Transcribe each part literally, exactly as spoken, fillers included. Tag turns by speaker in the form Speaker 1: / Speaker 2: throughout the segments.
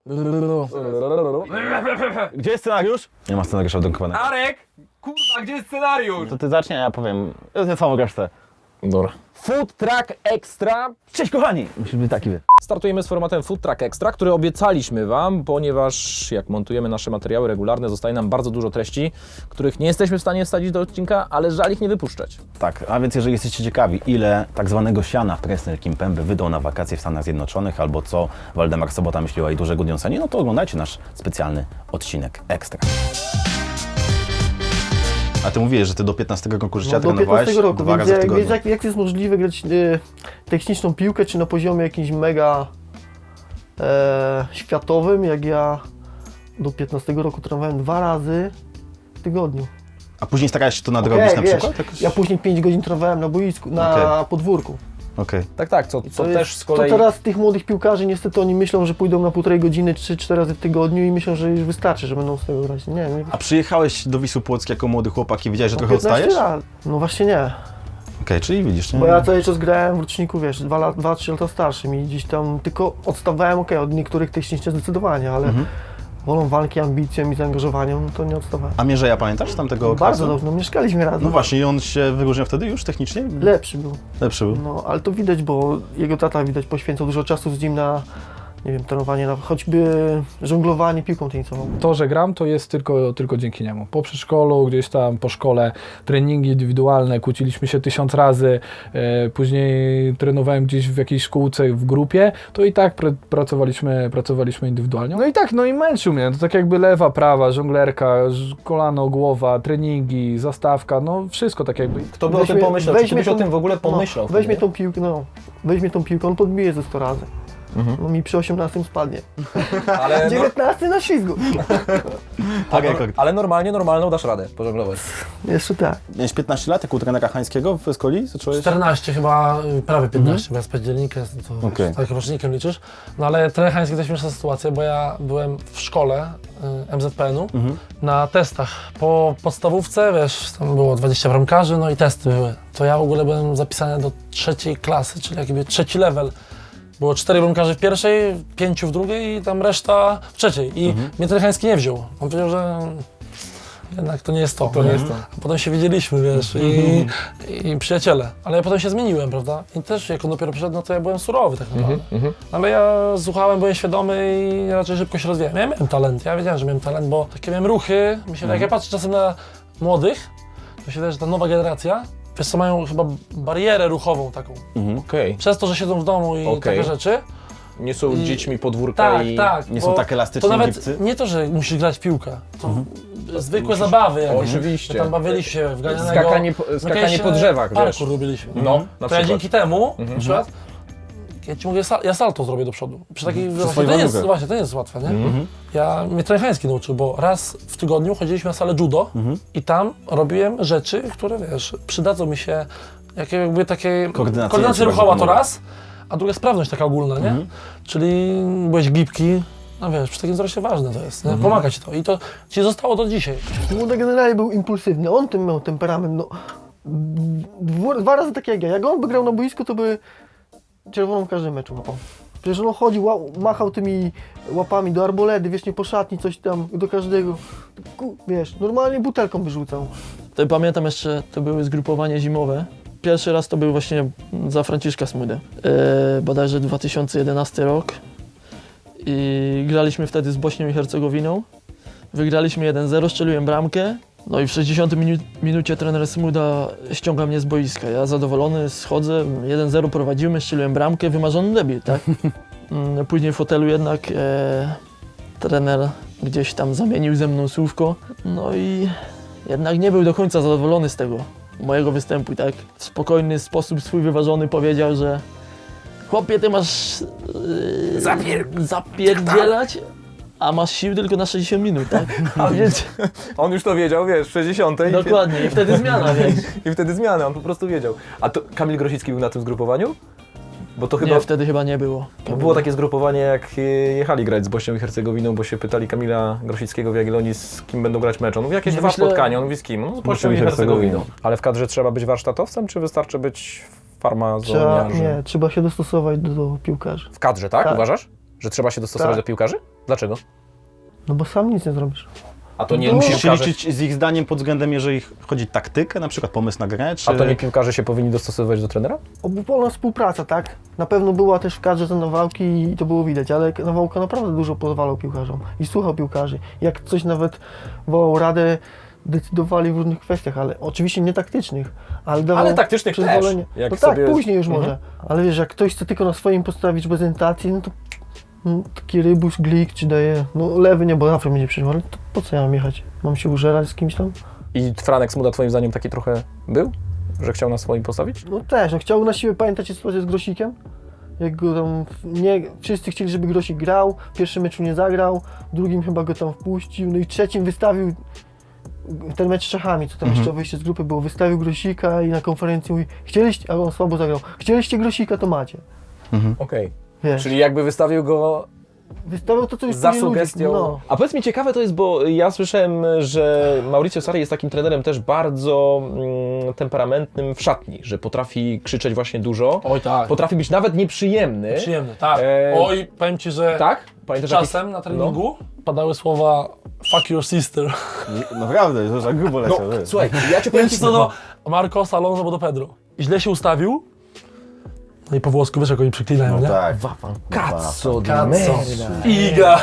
Speaker 1: Gdzie jest scenariusz? Nie ma scenariusza wydrukowanego.
Speaker 2: Arek! Kurwa, gdzie jest scenariusz?
Speaker 1: To ty zacznie, a ja powiem. Ja samą resztę.
Speaker 2: Dobra.
Speaker 3: Food Truck Extra.
Speaker 1: Cześć kochani! Musi być taki wie.
Speaker 3: Startujemy z formatem Food Truck Extra, który obiecaliśmy Wam, ponieważ jak montujemy nasze materiały regularne, zostaje nam bardzo dużo treści, których nie jesteśmy w stanie wsadzić do odcinka, ale żal ich nie wypuszczać.
Speaker 1: Tak, a więc jeżeli jesteście ciekawi, ile tak zwanego siana Presnel Kimpembe wydał na wakacje w Stanach Zjednoczonych, albo co Waldemar Sobota myśli o jej dużego Gudjonsenie, no to oglądajcie nasz specjalny odcinek Ekstra. A ty mówiłeś, że ty do piętnastego roku życia
Speaker 4: No, do
Speaker 1: trenowałeś
Speaker 4: piętnastego roku,
Speaker 1: dwa
Speaker 4: więc,
Speaker 1: razy w
Speaker 4: jak,
Speaker 1: tygodniu.
Speaker 4: więc jak, jak jest możliwe grać e, techniczną piłkę, czy na poziomie jakimś mega e, światowym, jak ja do piętnastego roku trenowałem dwa razy w tygodniu.
Speaker 1: A później starałeś się to nadrobić
Speaker 4: Okej,
Speaker 1: na
Speaker 4: wiesz,
Speaker 1: przykład? Jakoś...
Speaker 4: Ja później pięć godzin trenowałem na boisku, na
Speaker 1: Okej.
Speaker 4: podwórku.
Speaker 1: Okej.
Speaker 3: Tak, tak, co,
Speaker 4: I
Speaker 3: co
Speaker 4: to
Speaker 3: też
Speaker 4: jest,
Speaker 3: z kolei...
Speaker 4: To teraz tych młodych piłkarzy niestety oni myślą, że pójdą na półtorej godziny, trzy, cztery razy w tygodniu i myślą, że już wystarczy, że będą z tego grać. Nie, nie.
Speaker 1: A przyjechałeś do Wisły Płock jako młody chłopak i wiedziałeś, że
Speaker 4: No,
Speaker 1: trochę
Speaker 4: piętnaście
Speaker 1: odstajesz?
Speaker 4: lat. No właśnie nie.
Speaker 1: Okej, czyli widzisz, nie?
Speaker 4: Bo ja cały czas grałem w roczniku, wiesz, dwa trzy lata starszym i gdzieś tam tylko odstawałem, okej, od niektórych technicznie zdecydowanie, ale
Speaker 1: Mhm.
Speaker 4: wolą walki, ambicją i zaangażowaniem, no to nie odstawałem.
Speaker 1: A Mierzeja pamiętasz z tamtego okresu?
Speaker 4: Bardzo dobrze, no mieszkaliśmy razem.
Speaker 1: No właśnie, i on się wyróżniał wtedy już technicznie?
Speaker 4: Lepszy był.
Speaker 1: Lepszy był.
Speaker 4: No, ale to widać, bo jego tata widać poświęcał dużo czasu z nim na, nie wiem, trenowanie, na choćby żonglowanie piłką tenisową.
Speaker 5: To, że gram, to jest tylko, tylko dzięki niemu. Po przedszkolu, gdzieś tam po szkole, treningi indywidualne, kłóciliśmy się tysiąc razy, e, później trenowałem gdzieś w jakiejś szkółce, w grupie, to i tak pr pracowaliśmy, pracowaliśmy indywidualnie. No i tak, no i męczył mnie, to tak jakby lewa, prawa, żonglerka, ż- kolano, głowa, treningi, zastawka, no wszystko tak jakby.
Speaker 3: Kto by o tym pomyślał? Czy ty byś o tym w ogóle pomyślał?
Speaker 4: No, weźmie
Speaker 3: wtedy?
Speaker 4: tą piłkę, no, weźmie tą piłkę, on podbije ze sto razy.
Speaker 3: Mhm.
Speaker 4: No mi przy osiemnastym spadnie.
Speaker 3: Ale, no,
Speaker 4: dziewiętnasty na ślizgu.
Speaker 1: Tak,
Speaker 3: ale,
Speaker 1: jak
Speaker 3: ale normalnie, normalną dasz radę pożonglować.
Speaker 4: Jeszcze tak.
Speaker 1: miałeś piętnaście lat, jak u trenera Hańskiego w Skoli? Zacząłeś?
Speaker 6: czternaście chyba, prawie piętnaście, bo ja z października, to
Speaker 1: Okej.
Speaker 6: tak rocznikiem liczysz. No ale trener Hański to śmieszna sytuacja, bo ja byłem w szkole y, M Z P N u
Speaker 1: Mhm.
Speaker 6: na testach. Po podstawówce, wiesz, tam było dwadzieścia bramkarzy, no i testy były. To ja w ogóle byłem zapisany do trzeciej klasy, czyli jakby trzeci level. Było cztery bramkarzy w pierwszej, pięciu w drugiej i tam reszta w trzeciej. I
Speaker 1: Mhm.
Speaker 6: mnie trener Hański nie wziął. On powiedział, że jednak to nie jest to.
Speaker 3: To nie jest to.
Speaker 6: A potem się widzieliśmy, wiesz, i, i przyjaciele. Ale ja potem się zmieniłem, prawda? I też jak on dopiero przyszedł, no to ja byłem surowy tak naprawdę. Ale ja słuchałem, byłem świadomy i raczej szybko się rozwijałem. Ja miałem talent, ja wiedziałem, że miałem talent, bo takie miałem ruchy. Mi się, jak ja patrzę czasem na młodych, to się wydaje, że ta nowa generacja, wiesz co, mają chyba barierę ruchową taką.
Speaker 1: Mhm.
Speaker 3: Okej.
Speaker 6: Przez to, że siedzą w domu i
Speaker 3: Okej.
Speaker 6: takie rzeczy.
Speaker 3: Nie są
Speaker 6: I-
Speaker 3: dziećmi podwórka
Speaker 6: Tak,
Speaker 3: i...
Speaker 6: tak.
Speaker 1: Nie
Speaker 6: bo
Speaker 1: są tak elastyczni
Speaker 6: To nawet
Speaker 1: gipcy?
Speaker 6: nie to, że musisz grać w piłkę. To zwykłe zabawy jakieś.
Speaker 3: Oczywiście.
Speaker 6: My tam bawiliśmy się w ganianego.
Speaker 3: Skakanie po-
Speaker 6: no
Speaker 3: skakanie
Speaker 6: kiedyś,
Speaker 3: po
Speaker 6: e,
Speaker 3: drzewach, wiesz.
Speaker 6: Parkour robiliśmy.
Speaker 3: No, na
Speaker 6: To ja
Speaker 3: przykład.
Speaker 6: dzięki temu, na przykład, ja ci mówię, sa- ja salto zrobię do przodu. Przy takiej, właśnie,
Speaker 1: swoją
Speaker 6: to nie jest,
Speaker 1: nogę.
Speaker 6: właśnie, to nie jest łatwe, nie? Ja, mnie trener Hański nauczył, bo raz w tygodniu chodziliśmy na salę judo i tam robiłem rzeczy, które, wiesz, przydadzą mi się, jakie jakby takie
Speaker 1: Koordynacja
Speaker 6: koordynacja
Speaker 1: ci
Speaker 6: ruchowa
Speaker 1: bardzo
Speaker 6: to
Speaker 1: pomaga.
Speaker 6: raz, a druga sprawność taka ogólna, nie? Czyli byłeś gibki, no wiesz, przy takim wzroście ważne to jest, nie? Pomaga ci to i to ci zostało do dzisiaj.
Speaker 4: Młody generalnie był impulsywny, on tym miał temperament, no. Dwu, dwa razy tak jak ja. Jak on by grał na boisku, to by czerwoną w każdym meczu łapał. Przecież on chodził, ła, machał tymi łapami do arboledy, wiesz, nie po szatni, coś tam, do każdego. Ku, wiesz, normalnie butelką by rzucał.
Speaker 7: To pamiętam jeszcze, to były zgrupowanie zimowe. Pierwszy raz to był właśnie za Franciszka Smudę. E, bodajże dwa tysiące jedenasty rok. I graliśmy wtedy z Bośnią i Hercegowiną. Wygraliśmy jeden zero, strzeliłem bramkę. No i w sześćdziesiątej minu minucie trener Smuda ściąga mnie z boiska. Ja zadowolony schodzę, jeden zero prowadzimy, strzeliłem bramkę, wymarzony debiut, tak? Mm, Później w hotelu jednak e, trener gdzieś tam zamienił ze mną słówko. No i jednak nie był do końca zadowolony z tego mojego występu, tak? W spokojny sposób swój wyważony powiedział, że chłopie, ty masz yy, Zapier zapierdzielać, a masz sił tylko na sześćdziesiąt minut, tak? A więc
Speaker 3: On już to wiedział, wiesz, w sześćdziesiątej.
Speaker 7: dokładnie, i wtedy zmiana, wiesz.
Speaker 3: I wtedy zmiany, on po prostu wiedział. A to Kamil Grosicki był na tym zgrupowaniu? Bo to chyba...
Speaker 7: Nie, wtedy chyba nie było.
Speaker 3: Bo było takie zgrupowanie, jak e, jechali grać z Bośnią i Hercegowiną, bo się pytali Kamila Grosickiego w Jagiellonii, z kim będą grać mecz. On mówi, jakieś
Speaker 7: Nie,
Speaker 3: dwa
Speaker 7: myślę-
Speaker 3: spotkania. On mówi, z kim? No, z Bośnią i Hercegowiną. Ale w kadrze trzeba być warsztatowcem, czy wystarczy być
Speaker 4: Trzeba,
Speaker 3: farmazoniarzem?
Speaker 4: nie, trzeba się dostosować do, do piłkarzy.
Speaker 3: W kadrze, tak?
Speaker 4: Tak.
Speaker 3: Uważasz? Że trzeba się dostosować
Speaker 4: Tak.
Speaker 3: do piłkarzy? Dlaczego?
Speaker 4: No bo sam nic nie zrobisz.
Speaker 3: A to nie
Speaker 4: No.
Speaker 3: musisz
Speaker 1: Musisz się
Speaker 3: piłkarze...
Speaker 1: liczyć z ich zdaniem pod względem, jeżeli chodzi o taktykę, na przykład pomysł na grę, czy...
Speaker 3: A to nie piłkarze się powinni dostosowywać do trenera?
Speaker 4: Obupola współpraca, tak? Na pewno była też w kadrze ten Nawałki i to było widać, ale Nawałka naprawdę dużo pozwalał piłkarzom i słuchał piłkarzy. Jak coś nawet wołał radę, decydowali w różnych kwestiach, ale oczywiście nie taktycznych, ale dawał
Speaker 3: Ale taktycznych też,
Speaker 4: przyzwolenie.
Speaker 3: jak
Speaker 4: No tak,
Speaker 3: sobie-
Speaker 4: później już
Speaker 3: Mhm.
Speaker 4: może. Ale wiesz, jak ktoś chce tylko na swoim postawić prezentację, no to no, taki rybus, glik czy daje, no lewy nie, bo zawsze będzie przyjmował, ale to po co ja mam jechać? Mam się użerać z kimś tam?
Speaker 3: I Franek Smuda twoim zdaniem taki trochę był? Że chciał na swoim postawić?
Speaker 4: No też, no chciał na siłę, pamiętacie sytuację z Grosikiem? Jak go tam, nie, wszyscy chcieli, żeby Grosik grał, w pierwszym meczu nie zagrał, w drugim chyba go tam wpuścił, no i w trzecim wystawił ten mecz z Czechami, co tam jeszcze wyjście z grupy było, wystawił Grosika i na konferencji mówi, chcieliście, a on słabo zagrał, chcieliście Grosika, to macie.
Speaker 3: Okej.
Speaker 4: Wiesz,
Speaker 3: Czyli jakby wystawił go
Speaker 4: wystawiał to, co już
Speaker 3: za
Speaker 4: później ludzie-
Speaker 3: sugestią.
Speaker 4: No.
Speaker 3: A powiedz mi, ciekawe to jest, bo ja słyszałem, że Mauricio Sarri jest takim trenerem też bardzo mm, temperamentnym w szatni, że potrafi krzyczeć właśnie dużo,
Speaker 6: Oj tak,
Speaker 3: potrafi być nawet nieprzyjemny.
Speaker 6: przyjemny, tak.
Speaker 3: E,
Speaker 6: Oj, powiem Ci, że
Speaker 3: Tak? Pamiętasz
Speaker 6: czasem na treningu padały słowa fuck your sister.
Speaker 1: Naprawdę, to za grubo
Speaker 3: No,
Speaker 1: leciał. wiesz.
Speaker 3: słuchaj, ja ci powiem
Speaker 6: Powiem
Speaker 3: ci
Speaker 6: Ci co do Marcos Alonso, bo do Pedro. I źle się ustawił. No i po włosku wiesz jak oni przyklinają,
Speaker 1: No
Speaker 6: nie?
Speaker 1: tak.
Speaker 3: Cazzo di
Speaker 6: Cazzo.
Speaker 3: merda.
Speaker 6: Iga!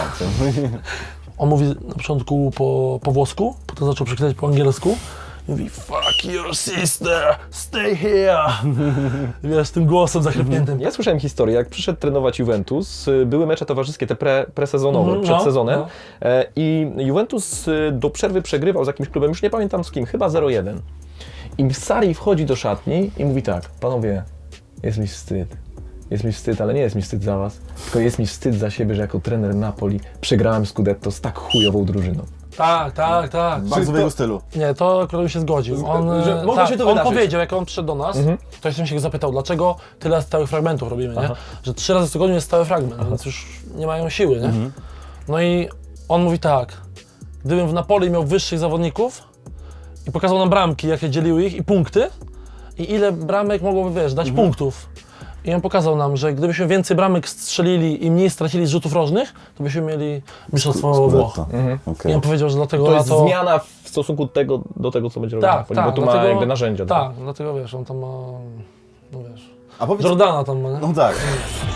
Speaker 6: On mówi na początku po, po włosku, potem zaczął przeklinać po angielsku. I mówi fuck your sister, stay here. I wiesz, tym głosem zachrypniętym.
Speaker 3: Ja słyszałem historię, jak przyszedł trenować Juventus, y, były mecze towarzyskie, te pre, presezonowe,
Speaker 6: Mhm,
Speaker 3: przed
Speaker 6: no,
Speaker 3: sezonem
Speaker 6: no.
Speaker 3: e, i Juventus y, do przerwy przegrywał z jakimś klubem, już nie pamiętam z kim, chyba zero jeden. I Sarri wchodzi do szatni i mówi tak, panowie, jest mi wstyd. Jest mi wstyd, ale nie jest mi wstyd za was, tylko jest mi wstyd za siebie, że jako trener Napoli przegrałem Scudetto z tak chujową drużyną.
Speaker 6: Tak, tak, tak.
Speaker 1: Bardzo w jego stylu.
Speaker 6: Nie, to akurat bym się zgodził. On,
Speaker 3: że
Speaker 6: e,
Speaker 3: mogło
Speaker 6: tak,
Speaker 3: się to
Speaker 6: on
Speaker 3: wydarzyć.
Speaker 6: powiedział, jak on przyszedł do nas, to ja się go zapytał, dlaczego tyle stałych fragmentów robimy, nie? Że trzy razy w tygodniu jest stały fragment, więc już nie mają siły, nie? No i on mówi tak, gdybym w Napoli miał wyższych zawodników i pokazał nam bramki, jakie dzieliły ich i punkty i ile bramek mogłoby, wiesz, dać punktów. I on pokazał nam, że gdybyśmy więcej bramek strzelili i mniej stracili z rzutów rożnych, to byśmy mieli mistrzostwo Włoch.
Speaker 1: Okej.
Speaker 6: I on powiedział, że dlatego
Speaker 3: To
Speaker 6: na
Speaker 3: jest
Speaker 6: to...
Speaker 3: zmiana w stosunku tego, do tego, co będzie robił
Speaker 6: Tak,
Speaker 3: Napoli,
Speaker 6: tak,
Speaker 3: bo tu ma
Speaker 6: dlatego-
Speaker 3: jakby narzędzia.
Speaker 6: Tak, dlatego wiesz, on tam ma, no wiesz,
Speaker 1: A powiedz...
Speaker 6: Jordana tam ma, nie?
Speaker 1: No tak.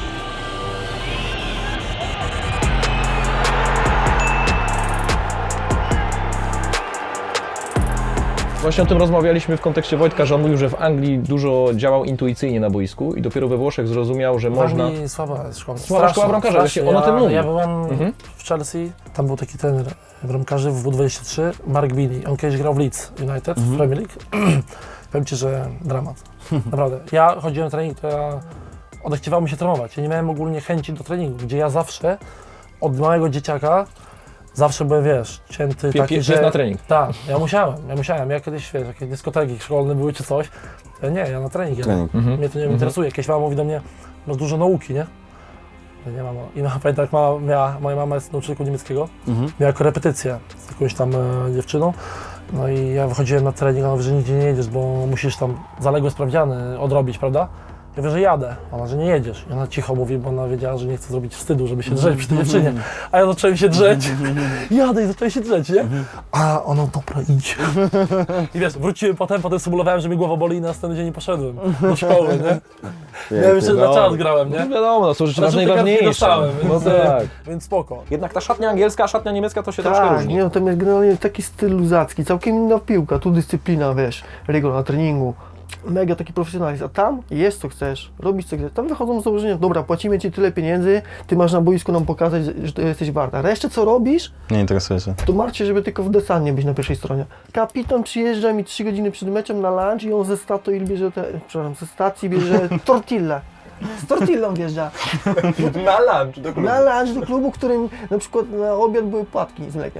Speaker 3: Właśnie o tym rozmawialiśmy w kontekście Wojtka, że on mówił, że w Anglii dużo działał intuicyjnie na boisku i dopiero we Włoszech zrozumiał, że można...
Speaker 6: W Anglii słaba jest szkoła.
Speaker 3: Słaba szkoła bramkarza,
Speaker 6: strasznie.
Speaker 3: właśnie on o tym
Speaker 6: ja,
Speaker 3: mówi.
Speaker 6: Ja byłem
Speaker 3: Mhm.
Speaker 6: w Chelsea, tam był taki trener bramkarzy w W dwadzieścia trzy, Mark Bini. On kiedyś grał w Leeds United w Premier League. Powiem Ci, że dramat. Naprawdę. Ja chodziłem na trening, to ja odechciewało mi się trenować. Ja nie miałem ogólnie chęci do treningu, gdzie ja zawsze od małego dzieciaka zawsze byłem, wiesz, cięty
Speaker 3: Pie-
Speaker 6: taki,
Speaker 3: pie-
Speaker 6: że...
Speaker 3: pies na trening.
Speaker 6: Tak, ja musiałem, ja musiałem. Ja kiedyś, wiesz, jakieś dyskoteki szkolne były czy coś, ja nie, ja na trening jadę.
Speaker 1: Trening.
Speaker 6: Mnie to nie interesuje. Jakieś mama mówi do mnie, masz dużo nauki, nie? Ja nie mam. I no, pamiętam, jak mama miała, moja mama jest nauczycielką niemieckiego, miała korepetycję z jakąś tam e, dziewczyną. No i ja wychodziłem na trening, ona mówi, że nigdzie nie jedziesz, bo musisz tam zaległe sprawdziany odrobić, prawda? Ja mówię, że jadę. Ona, że nie jedziesz. I ona cicho mówi, bo ona wiedziała, że nie chce zrobić wstydu, żeby się drzeć przy tej dziewczynie. A ja zacząłem się drzeć. Jadę i zacząłem się drzeć, nie? A ona, dobra, idź. I wiesz, wróciłem potem, potem symulowałem, że mi głowa boli i na następny dzień nie poszedłem do szkoły, nie? Ja jeszcze na czas grałem,
Speaker 3: No
Speaker 6: nie?
Speaker 3: wiadomo, no, są rzeczy
Speaker 6: Ale żółte kartki
Speaker 3: najważniejsze.
Speaker 6: dostałem,
Speaker 3: No
Speaker 6: więc,
Speaker 3: tak.
Speaker 6: więc spoko.
Speaker 3: Jednak ta szatnia angielska, a szatnia niemiecka to się troszkę
Speaker 4: Tak,
Speaker 3: różni.
Speaker 4: nie, no, tam jest generalnie taki styl luzacki, całkiem inna piłka, tu dyscyplina, wiesz, rygor na treningu, mega taki profesjonalizm, a tam jest co chcesz, robisz co chcesz, tam wychodzą z założenia, dobra, płacimy Ci tyle pieniędzy, Ty masz na boisku nam pokazać, że to jesteś warta, resztę co robisz,
Speaker 1: Nie interesuje się.
Speaker 4: to martw się, żeby tylko w desanie być na pierwszej stronie. Kapitan przyjeżdża mi trzy godziny przed meczem na lunch i on ze Statoil bierze te, przepraszam, ze stacji bierze tortillę. Z tortillą wjeżdża.
Speaker 3: Na lunch do
Speaker 4: Na lunch do klubu, którym na przykład na obiad były płatki z mlekiem.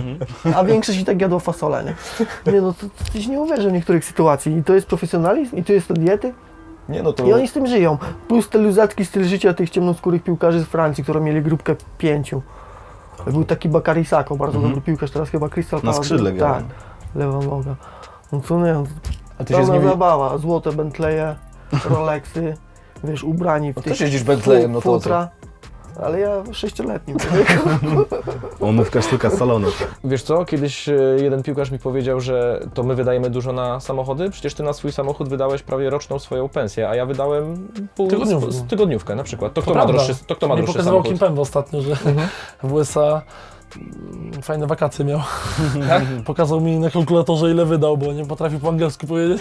Speaker 4: A większość i tak jadła fasolę, nie? Nie no, to, to tyś nie uwierzy w niektórych sytuacji. I to jest profesjonalizm, i to jest to diety.
Speaker 3: Nie no to...
Speaker 4: I oni z tym żyją. Plus ten luzacki styl życia tych ciemnoskórych piłkarzy z Francji, którzy mieli grupkę pięciu. Był taki Bakary Sako, bardzo dobry piłkarz, teraz chyba Crystal
Speaker 1: Na
Speaker 4: Palace.
Speaker 1: skrzydle gra.
Speaker 4: Tak, lewa noga. No co nie, no,
Speaker 3: A ty się z
Speaker 4: pełna
Speaker 3: nimi...
Speaker 4: zabawa. Złote Bentleye, Rolexy, wiesz, ubrani w
Speaker 3: No
Speaker 4: tych
Speaker 3: też jeździsz Bentleyem, no to co?
Speaker 4: futra. Ale ja sześcioletnim.
Speaker 1: Umówka sztuka z salonu.
Speaker 3: Wiesz co, kiedyś e, jeden piłkarz mi powiedział, że to my wydajemy dużo na samochody, przecież ty na swój samochód wydałeś prawie roczną swoją pensję, a ja wydałem pół,
Speaker 6: Tygodniówkę.
Speaker 3: z, z tygodniówkę na przykład. To kto,
Speaker 6: To
Speaker 3: ma
Speaker 6: prawda.
Speaker 3: droższy, to kto ma
Speaker 6: Mi
Speaker 3: droższy
Speaker 6: pokazywał
Speaker 3: samochód?
Speaker 6: Kim Pembe ostatnio, że w U S A mm, fajne wakacje miał. Pokazał mi na kalkulatorze, ile wydał, bo nie potrafił po angielsku powiedzieć.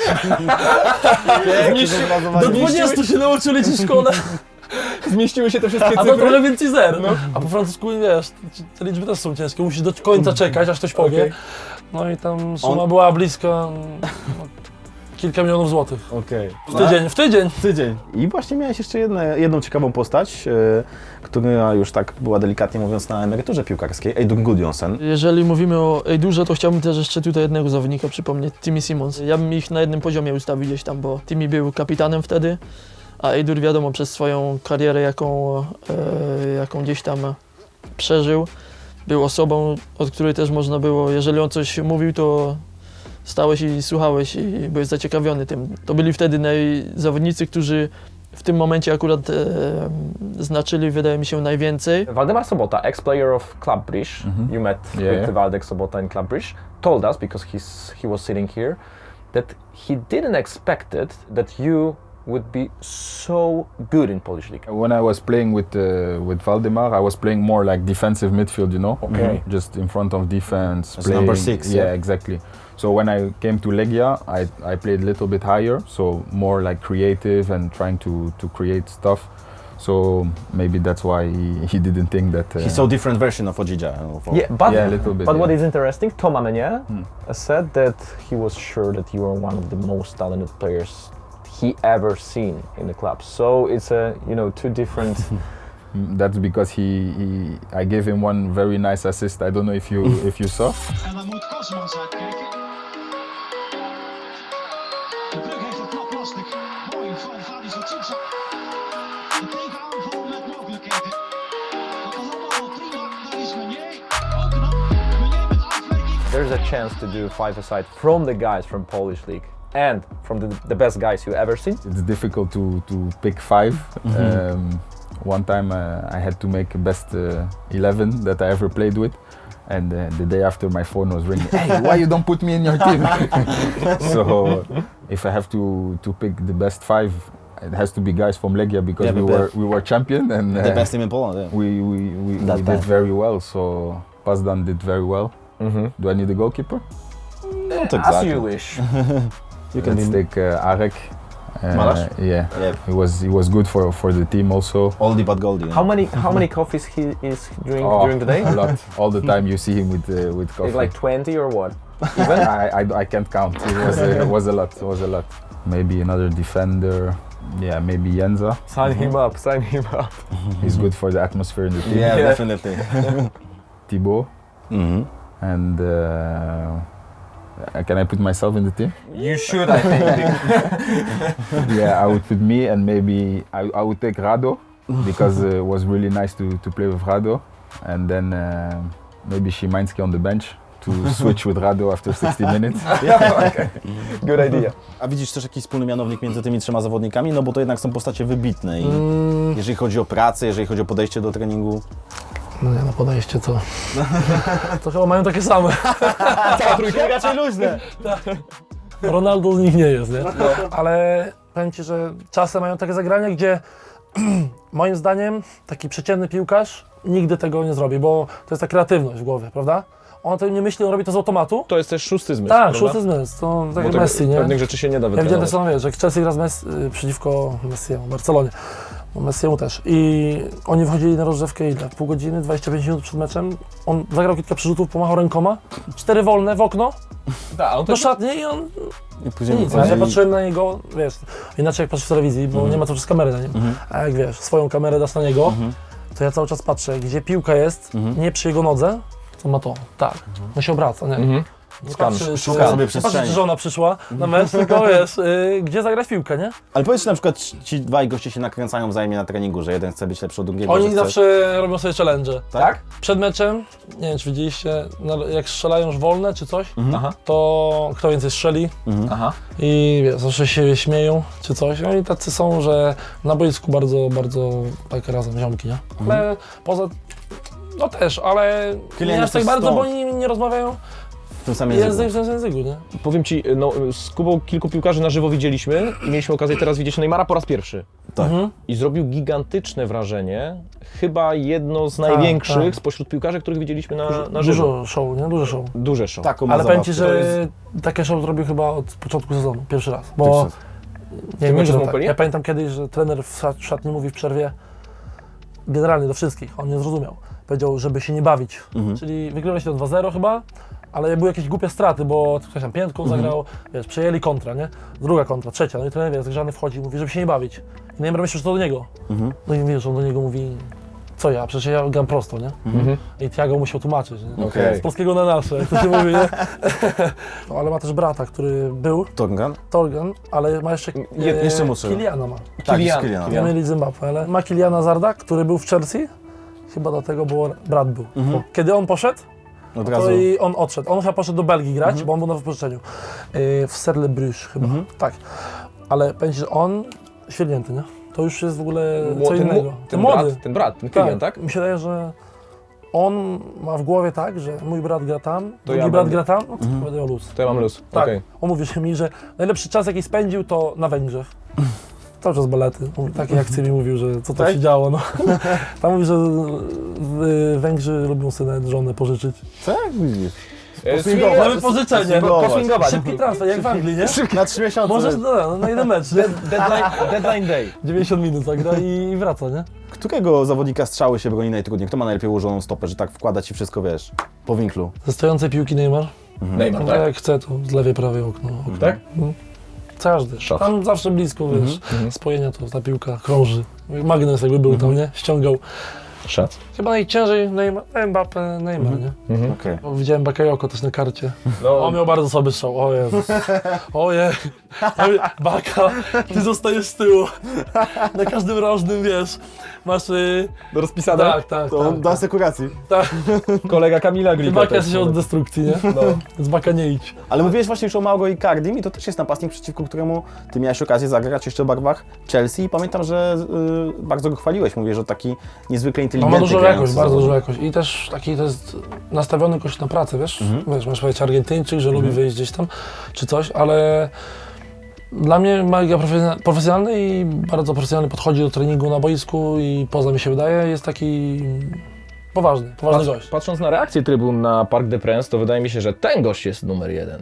Speaker 6: Do dwudziestu się nauczyli liczyć w szkole,
Speaker 3: Zmieściły się te wszystkie
Speaker 6: a to trochę więcej zer. No. A po francusku, wiesz, te liczby też są ciężkie, musisz do końca czekać, aż ktoś powie.
Speaker 3: Okej.
Speaker 6: No i tam suma była blisko no, kilka milionów złotych.
Speaker 1: Okej.
Speaker 6: W tydzień, w tydzień.
Speaker 1: Tydzień. I właśnie miałeś jeszcze jedne, jedną ciekawą postać, yy, która już tak była delikatnie mówiąc na emeryturze piłkarskiej, Eidur Gudjohnsen.
Speaker 7: Jeżeli mówimy o Eidurze, to chciałbym też jeszcze tutaj jednego zawodnika przypomnieć, Timmy Simons. Ja bym ich na jednym poziomie ustawił gdzieś tam, bo Timmy był kapitanem wtedy, a Eidur wiadomo przez swoją karierę, jaką, e, jaką gdzieś tam przeżył, był osobą, od której też można było, jeżeli on coś mówił, to stałeś i słuchałeś i byłeś zaciekawiony tym. To byli wtedy naj, zawodnicy, którzy w tym momencie akurat e, znaczyli, wydaje mi się, najwięcej.
Speaker 3: Waldemar Sobota, ex-player of Club Brugge, you met
Speaker 2: Yeah.
Speaker 3: with Waldek Sobota in Club Brugge, told us, because he's, he was sitting here, that he didn't expect it, that you would be so good in Polish League.
Speaker 8: When I was playing with uh, with Valdemar, I was playing more like defensive midfield, you know,
Speaker 3: Okay.
Speaker 8: just in front of defense.
Speaker 1: As number six,
Speaker 8: yeah,
Speaker 1: yeah.
Speaker 8: exactly. So when I came to Legia, I I played a little bit higher, so more like creative and trying to to create stuff. So maybe that's why he, he didn't think that. Uh,
Speaker 1: He saw different version of Odzidza. Of,
Speaker 3: Yeah, but,
Speaker 8: Yeah, a little bit,
Speaker 3: but what
Speaker 8: yeah.
Speaker 3: is interesting, Tom Amenier
Speaker 8: Hmm.
Speaker 3: said that he was sure that you are one of the most talented players he ever seen in the club. So it's a, you know, two different...
Speaker 8: Mm, That's because he, he I gave him one very nice assist. I don't know if you if you saw.
Speaker 9: En dan moet Kosmans uitkijken. De Brug heeft het knap lastig. Mooi van Vadis Otsitsa. De tegenaanval met mogelijkheden. Dat was allemaal prima. Daar is Meunier. Ook knap. Meunier met afwerking.
Speaker 3: There's a chance to do five-a-side from the guys from Polish League and from the, the best guys you ever seen.
Speaker 8: It's difficult to, to pick five. Um, one time uh, I had to make best uh, eleven that I ever played with. And uh, the day after my phone was ringing, hey, why you don't put me in your team? So if I have to, to pick the best five, it has to be guys from Legia because
Speaker 1: Yeah,
Speaker 8: we
Speaker 1: but
Speaker 8: were we were champion and
Speaker 1: The
Speaker 8: uh,
Speaker 1: best team in Poland, yeah.
Speaker 8: we, we, we,
Speaker 1: That
Speaker 8: we
Speaker 1: time.
Speaker 8: did very well. So Pazdan did very well.
Speaker 3: Mm-hmm.
Speaker 8: Do I need a goalkeeper?
Speaker 1: Not
Speaker 3: As
Speaker 1: exactly.
Speaker 3: you wish.
Speaker 1: You can
Speaker 8: Let's
Speaker 1: be
Speaker 8: take uh, Arek. Uh,
Speaker 1: Malasz?
Speaker 8: Yeah,
Speaker 1: Yeah.
Speaker 8: he was he was good for for the team also.
Speaker 1: oldie but goldie. yeah.
Speaker 3: How many how many coffees he is drink
Speaker 8: Oh,
Speaker 3: during the day?
Speaker 8: A lot. All the time you see him with uh, with coffee.
Speaker 3: Like twenty or what?
Speaker 8: Even I, I I can't count. It was uh, it was a lot. It was a lot. Maybe another defender. Yeah, maybe Jenza.
Speaker 3: Sign him up, sign him up.
Speaker 8: He's good for the atmosphere in the team.
Speaker 1: Yeah,
Speaker 3: Yeah.
Speaker 1: definitely.
Speaker 8: Thibaut.
Speaker 1: Mhm.
Speaker 8: And uh, can I put myself in the team?
Speaker 3: You should, I think.
Speaker 8: Yeah, I would put me and maybe I, I would take Rado because uh, it was really nice to, to play with Rado. And then uh, maybe Szymański on the bench to switch with Rado after sixty minutes.
Speaker 3: Good idea.
Speaker 1: A widzisz też jakiś wspólny mianownik między tymi trzema zawodnikami? No bo to jednak są postacie wybitne i
Speaker 6: Mm,
Speaker 1: jeżeli chodzi o pracę, jeżeli chodzi o podejście do treningu.
Speaker 6: no nie, no podejście co? To chyba mają takie same.
Speaker 1: Cała trójka raczej luźne.
Speaker 6: Ronaldo z nich nie jest, nie? Ale powiem Ci, że czasem mają takie zagrania, gdzie moim zdaniem taki przeciętny piłkarz nigdy tego nie zrobi, bo to jest ta kreatywność w głowie, prawda? On o tym nie myśli, on robi to z automatu.
Speaker 3: To jest też szósty zmysł,
Speaker 6: Tak,
Speaker 3: prawda?
Speaker 6: szósty zmysł, to tak
Speaker 3: Bo
Speaker 6: jak
Speaker 3: tego-
Speaker 6: Messi, nie?
Speaker 3: Pewnych rzeczy się nie da
Speaker 6: Ja widziałem tak
Speaker 3: wytrenować.
Speaker 6: samo, wiesz, jak Chelsea gra z Messi, y, przeciwko Messiemu, Barcelonie, no Messiemu też. I oni wchodzili na rozgrzewkę ile? Pół godziny, dwadzieścia pięć minut przed meczem. On zagrał kilka przerzutów, pomachał rękoma, cztery wolne w okno,
Speaker 3: Tak, on
Speaker 6: do szatni i on
Speaker 1: I później
Speaker 6: nic. Ja patrzyłem na niego, wiesz, inaczej jak patrzysz w telewizji, bo nie ma co przez kamerę na nim. A jak wiesz, swoją kamerę dasz na niego, to ja cały czas patrzę, gdzie piłka jest, nie przy jego nodze, to ma to, tak, no się obraca, nie?
Speaker 3: Mhm.
Speaker 6: Nie
Speaker 3: Skan.
Speaker 6: patrzy,
Speaker 1: Szuka
Speaker 6: czy,
Speaker 1: sobie
Speaker 6: nie patrzy,
Speaker 1: przestrzeni.
Speaker 6: czy żona przyszła na mecz, tylko wiesz, y, gdzie zagrać w piłkę, nie?
Speaker 1: Ale powiedz, że na przykład ci dwaj goście się nakręcają wzajemnie na treningu, że jeden chce być lepszy od drugiego. że
Speaker 6: Oni
Speaker 1: chce...
Speaker 6: zawsze robią sobie challenge.
Speaker 1: Tak?
Speaker 6: Przed meczem, nie wiem czy widzieliście, na- jak strzelają już wolne czy coś,
Speaker 3: Aha,
Speaker 6: to kto więcej strzeli
Speaker 3: aha.
Speaker 6: i wiesz, zawsze się śmieją czy coś. Oni tacy są, że na boisku bardzo, bardzo tak razem ziomki, nie? Ale poza, no też, ale
Speaker 1: Kylian
Speaker 6: nie aż
Speaker 1: jest
Speaker 6: tak
Speaker 1: też
Speaker 6: bardzo,
Speaker 1: stąd.
Speaker 6: bo oni nie rozmawiają
Speaker 1: W tym samym
Speaker 6: język
Speaker 1: języku.
Speaker 6: w tym języku, nie?
Speaker 3: Powiem Ci, no z Kubą kilku piłkarzy na żywo widzieliśmy i mieliśmy okazję teraz widzieć Neymara po raz pierwszy.
Speaker 1: Tak.
Speaker 3: I zrobił gigantyczne wrażenie, chyba jedno z największych
Speaker 6: tak.
Speaker 3: spośród piłkarzy, których widzieliśmy na, na żywo.
Speaker 6: Dużo show, nie? Dużo show.
Speaker 3: Duże show.
Speaker 1: Taką ma
Speaker 6: Ale powiem
Speaker 1: zabawkę.
Speaker 6: Ci,
Speaker 1: To
Speaker 6: że
Speaker 1: jest-
Speaker 6: takie show zrobił chyba od początku sezonu, pierwszy raz.
Speaker 1: Pierwszy
Speaker 6: Bo
Speaker 1: raz.
Speaker 6: nie wiem,
Speaker 3: będziesz
Speaker 6: czy
Speaker 3: w
Speaker 6: to tak.
Speaker 3: Montpellier?
Speaker 6: Ja pamiętam kiedyś, że trener w szat- szatni mówi w przerwie, generalnie do wszystkich, on nie zrozumiał. Powiedział, żeby się nie bawić.
Speaker 1: Mhm.
Speaker 6: Czyli wygraliście to dwa zero chyba, ale były jakieś głupie straty, bo ktoś tam piętką zagrał, wiesz, przejęli kontra, nie? Druga kontra, trzecia, no i trener, wiesz, zagrzany wchodzi i mówi, żeby się nie bawić. I Neymar myśli, że to do niego.
Speaker 1: Mhm.
Speaker 6: No i wiesz, on do niego mówi, co ja, przecież ja gram prosto, nie?
Speaker 3: Mhm.
Speaker 6: I Thiago musiał tłumaczyć, nie?
Speaker 3: Okej.
Speaker 6: Z polskiego na nasze, jak to się mówi, nie? No, ale ma też brata, który był,
Speaker 1: Torgan?
Speaker 6: Torgan, ale ma jeszcze,
Speaker 3: Je-
Speaker 1: jeszcze młodszego.
Speaker 6: Kiliana ma.
Speaker 1: Tak,
Speaker 3: Kylian.
Speaker 1: z Kylianem.
Speaker 6: Ja mieli Zimbabwe, ale ma Kiliana Zarda, który był w Chelsea, chyba dlatego, bo brat był.
Speaker 1: Mhm.
Speaker 6: Kiedy on poszedł,
Speaker 1: Od
Speaker 6: to
Speaker 1: razu.
Speaker 6: i on odszedł. On chyba poszedł do Belgii grać, bo on był na wypożyczeniu. Yy, w Cercle Bruges chyba, tak. Ale powiem ci, że on świetnięty, nie? To już jest w ogóle
Speaker 3: Mło-
Speaker 6: co
Speaker 3: ten,
Speaker 6: innego.
Speaker 3: mu-
Speaker 6: Ten
Speaker 3: ten
Speaker 6: młody.
Speaker 3: brat, ten brat, ten Kylian, tak?
Speaker 6: Mi się wydaje, że on ma w głowie tak, że mój brat gra tam, drugi
Speaker 3: ja
Speaker 6: brat
Speaker 3: będę.
Speaker 6: gra tam, no to będę miał luz.
Speaker 3: To ja mam luz.
Speaker 6: Tak,
Speaker 3: Okej.
Speaker 6: on mówi że mi, że najlepszy czas jaki spędził to na Węgrzech. Cały czas balety. Mówi, takie akcje mi mówił, że co to
Speaker 1: Tak?
Speaker 6: się działo. No. Tam mówi, że y, Węgrzy lubią sobie nawet żonę pożyczyć.
Speaker 1: Tak, widzisz.
Speaker 3: Poswingować.
Speaker 6: Mamy pożyczenie.
Speaker 1: Poswingować.
Speaker 3: Poswingować.
Speaker 6: Szybki transfer, jak w Anglii, nie?
Speaker 1: Na trzy miesiące.
Speaker 6: Możesz no, na jeden mecz, nie?
Speaker 3: Deadline, deadline day.
Speaker 6: dziewięćdziesiąt minut zagra i, i wraca, nie?
Speaker 1: Którego zawodnika strzały się broni najtrudniej? Kto ma najlepiej ułożoną stopę, że tak wkłada ci wszystko, wiesz, po winklu?
Speaker 6: Ze stojącej piłki Neymar.
Speaker 3: Neymar,
Speaker 6: No,
Speaker 3: tak?
Speaker 6: Jak chce, to z lewej, prawej okno. okno.
Speaker 3: Tak?
Speaker 6: Każdy.
Speaker 3: Szaf.
Speaker 6: Tam zawsze blisko, wiesz,
Speaker 3: mhm.
Speaker 6: spojenia to ta piłka krąży. Magnes jakby był tam, nie? Ściągał.
Speaker 3: Szac.
Speaker 6: Chyba najciężej Neymar, Mbappé, Neymar, nie?
Speaker 1: Okej.
Speaker 6: Bo widziałem Bakayoko też na karcie.
Speaker 3: No,
Speaker 6: On miał bardzo słaby strzał, o Jezus. Ojej. Baka, ty zostajesz z tyłu. Na każdym rożnym, wiesz, masz... y,
Speaker 3: rozpisane.
Speaker 6: Tak, tak,
Speaker 1: To
Speaker 6: tak.
Speaker 1: do asekuracji.
Speaker 6: tak.
Speaker 3: Kolega Kamila
Speaker 6: Ty
Speaker 3: Glika
Speaker 6: Baka
Speaker 3: też.
Speaker 6: jesteś od destrukcji, nie?
Speaker 3: No.
Speaker 6: Z Baka nie idź.
Speaker 1: Ale mówiłeś właśnie już o Mauro Icardim i to też jest napastnik, przeciwko któremu ty miałeś okazję zagrać jeszcze w barwach Chelsea i pamiętam, że y, bardzo go chwaliłeś. Mówię, że taki niezwykle
Speaker 6: No
Speaker 1: inteligentny
Speaker 6: ma dużo
Speaker 1: grający
Speaker 6: jakość, bardzo
Speaker 1: zawodnik.
Speaker 6: dużo jakość. I też taki to jest nastawiony gość na pracę, wiesz?
Speaker 1: Mhm.
Speaker 6: Wiesz, masz powiedzieć Argentyńczyk, że lubi wyjść gdzieś tam, czy coś, ale dla mnie mega profesjonalny- profesjonalny i bardzo profesjonalnie podchodzi do treningu na boisku i poza mi się wydaje, jest taki poważny, poważny
Speaker 3: Patrz,
Speaker 6: gość.
Speaker 3: patrząc na reakcję trybun na Parc des Princes, to wydaje mi się, że ten gość jest numer jeden.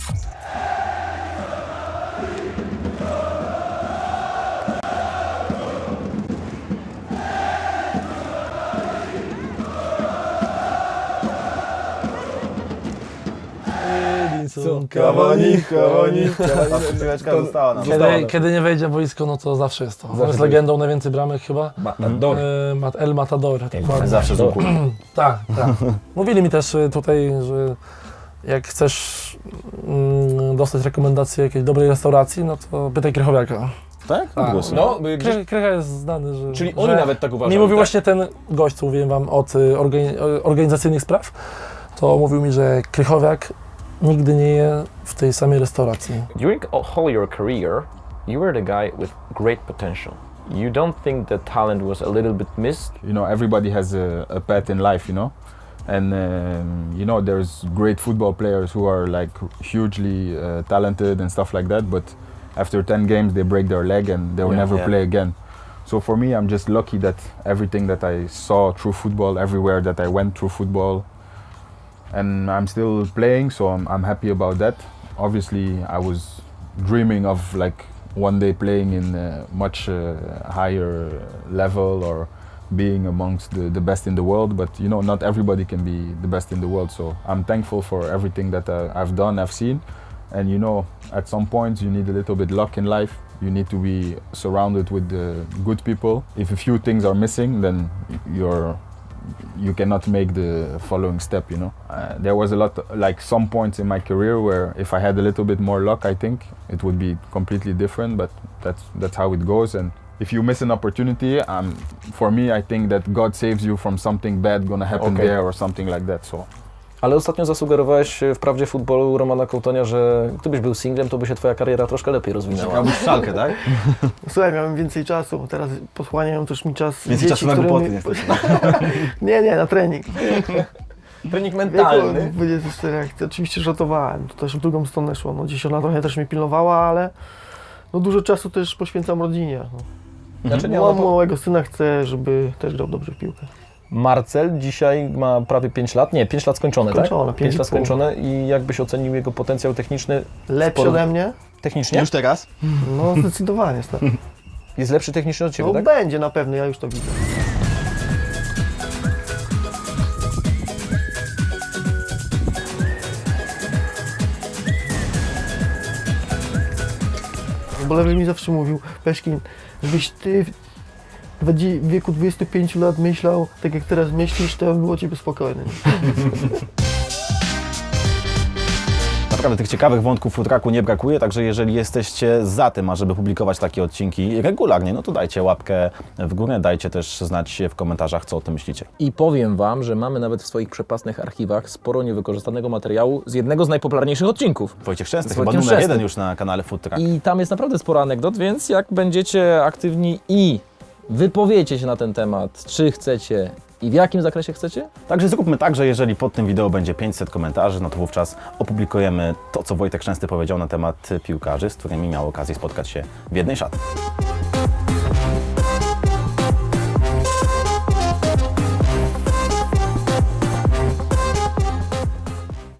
Speaker 6: Edinson
Speaker 1: Cavani, Cavani. Ta piłeczka została nam.
Speaker 6: Kiedy, kiedy nie wejdzie w boisko, no to zawsze jest to. On jest
Speaker 3: to
Speaker 6: legendą, najwięcej bramek chyba.
Speaker 3: Matador.
Speaker 6: E, Mat- El Matador. dokładnie.
Speaker 1: Zawsze z łuku.
Speaker 6: Tak, tak. Mówili mi też y, tutaj, że jak chcesz mm, dostać rekomendację jakiejś dobrej restauracji, no to pytaj Krychowiaka.
Speaker 1: Tak?
Speaker 6: Tak.
Speaker 1: Odgłosy.
Speaker 3: No, y, gdzieś,
Speaker 6: Kry, Krycha jest znany, że...
Speaker 3: czyli
Speaker 6: że
Speaker 3: oni nawet tak uważają.
Speaker 6: mi mówił
Speaker 3: tak?
Speaker 6: właśnie ten gość, co mówiłem wam od y, organi- organizacyjnych spraw, to mówił mi, że Krychowiak nigdy nie je w tej samej restauracji.
Speaker 10: During all your career, you were the guy with great potential. You don't think that talent was a little bit missed?
Speaker 8: You know, everybody has a, a path in life, you know, and um, you know, there's great football players who are like hugely uh, talented and stuff like that, but after ten games they break their leg and they'll
Speaker 10: Yeah,
Speaker 8: never
Speaker 1: yeah.
Speaker 8: play again. So for me, I'm just lucky that everything that I saw through football, everywhere that I went through football, and I'm still playing, so I'm, I'm happy about that. Obviously, I was dreaming of like one day playing in a much uh, higher level or being amongst the, the best in the world, but you know, not everybody can be the best in the world. So I'm thankful for everything that uh, I've done, I've seen, and you know, at some point you need a little bit luck in life. You need to be surrounded with uh, good people. If a few things are missing, then you're you cannot make the following step, you know. Uh, there was a lot, like some points in my career where if I had a little bit more luck, I think it would be completely different, but that's, that's how it goes. And if you miss an opportunity, um, for me, I think that God saves you from something bad gonna happen
Speaker 3: Okay.
Speaker 8: there or something like that, so.
Speaker 3: Ale ostatnio zasugerowałeś w Prawdzie Futbolu Romana Kołtonia, że gdybyś był singlem, to by się twoja kariera troszkę lepiej rozwinęła.
Speaker 1: Miał być w Szalkę, tak?
Speaker 4: Słuchaj, miałem więcej czasu, teraz posłaniają też mi czas
Speaker 1: Więcej
Speaker 4: dzieci,
Speaker 1: czasu na
Speaker 4: którymi-
Speaker 1: głupoty
Speaker 4: Nie, nie, na trening.
Speaker 3: Trening
Speaker 4: W
Speaker 3: mentalny.
Speaker 4: wieku dwudziestu czterech lat. Oczywiście żartowałem, to też w drugą stronę szło. No, gdzieś ona trochę też mnie pilnowała, ale no, dużo czasu też poświęcam rodzinie. No.
Speaker 3: Znaczy, nie,
Speaker 4: Mam
Speaker 3: no,
Speaker 4: małego syna, chcę, żeby też grał dobrze w piłkę.
Speaker 3: Marcel dzisiaj ma prawie pięć lat, nie, pięć lat skończone,
Speaker 4: Skończone,
Speaker 3: tak?
Speaker 4: pięć
Speaker 3: pięć
Speaker 4: i
Speaker 3: lat
Speaker 4: pół.
Speaker 3: skończone i jakbyś ocenił jego potencjał techniczny
Speaker 4: Lepszy
Speaker 3: Sporo-
Speaker 4: ode mnie?
Speaker 3: technicznie?
Speaker 1: Już teraz?
Speaker 4: No zdecydowanie. stary.
Speaker 3: Jest lepszy technicznie od Ciebie,
Speaker 4: No
Speaker 3: tak?
Speaker 4: będzie na pewno, ja już to widzę. Bo Lewy mi zawsze mówił, Peszkin, żebyś ty w dwadzie- w wieku dwudziestu pięciu lat myślał tak jak teraz myślisz, to było ciebie spokojne.
Speaker 1: Naprawdę tych ciekawych wątków food trucku nie brakuje, także jeżeli jesteście za tym, ażeby publikować takie odcinki regularnie, no to dajcie łapkę w górę, dajcie też znać w komentarzach, co o tym myślicie.
Speaker 3: I powiem Wam, że mamy nawet w swoich przepasnych archiwach sporo niewykorzystanego materiału z jednego z najpopularniejszych odcinków.
Speaker 1: Wojciech Szczęsny,
Speaker 3: Z
Speaker 1: chyba
Speaker 3: Wojtkiem
Speaker 1: numer
Speaker 3: Szczęsnym.
Speaker 1: jeden już na kanale Food Truck.
Speaker 3: I tam jest naprawdę sporo anegdot, więc jak będziecie aktywni i wypowiecie się na ten temat, czy chcecie i w jakim zakresie chcecie,
Speaker 1: Także zróbmy tak, że jeżeli pod tym wideo będzie pięćset komentarzy, no to wówczas opublikujemy to, co Wojtek Szczęsny powiedział na temat piłkarzy, z którymi miał okazję spotkać się w jednej szatni.